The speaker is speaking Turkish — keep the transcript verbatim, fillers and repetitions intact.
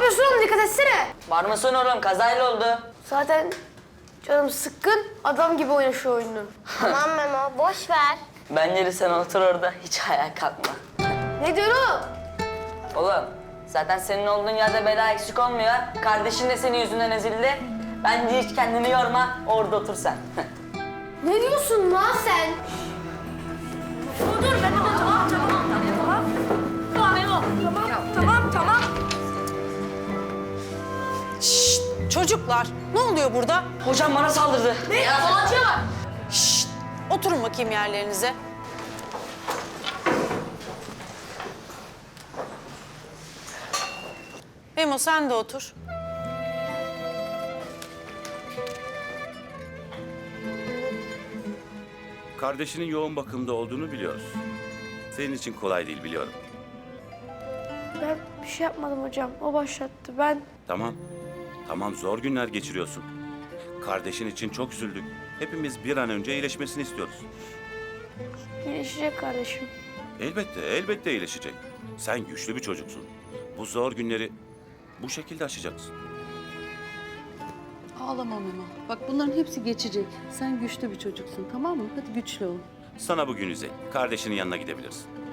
yapıyorsun oğlum? Dikkat etsene. Bağırmasın oğlum, kazayla oldu. Zaten canım sıkkın. Adam gibi oyna şu oyunu. Tamam Memo, boş ver. Bence de sen otur orada, hiç ayağa kalkma. Ne diyorsun oğlum? Oğlum, zaten senin olduğun yerde bela eksik olmuyor. Kardeşin de senin yüzünden ezildi. Bence hiç kendini yorma, orada otur sen. Ne diyorsun lan sen? Dur dur Memo, tamam tamam tamam. Tamam Memo. Tamam tamam tamam. Şşt, çocuklar, ne oluyor burada? Hocam bana saldırdı. Ne? Yalancı var. Şşt, oturun bakayım yerlerinize. Memo sen de otur. Kardeşinin yoğun bakımda olduğunu biliyoruz. Senin için kolay değil biliyorum. Ben bir şey yapmadım hocam. O başlattı. Ben Tamam. Tamam zor günler geçiriyorsun. Kardeşin için çok üzüldük. Hepimiz bir an önce iyileşmesini istiyoruz. iyileşecek kardeşim. Elbette, elbette iyileşecek. Sen güçlü bir çocuksun. Bu zor günleri bu şekilde aşacaksın. Ağlama Memo. Bak bunların hepsi geçecek. Sen güçlü bir çocuksun, tamam mı? Hadi güçlü ol. Sana bugün üzey. Kardeşinin yanına gidebilirsin.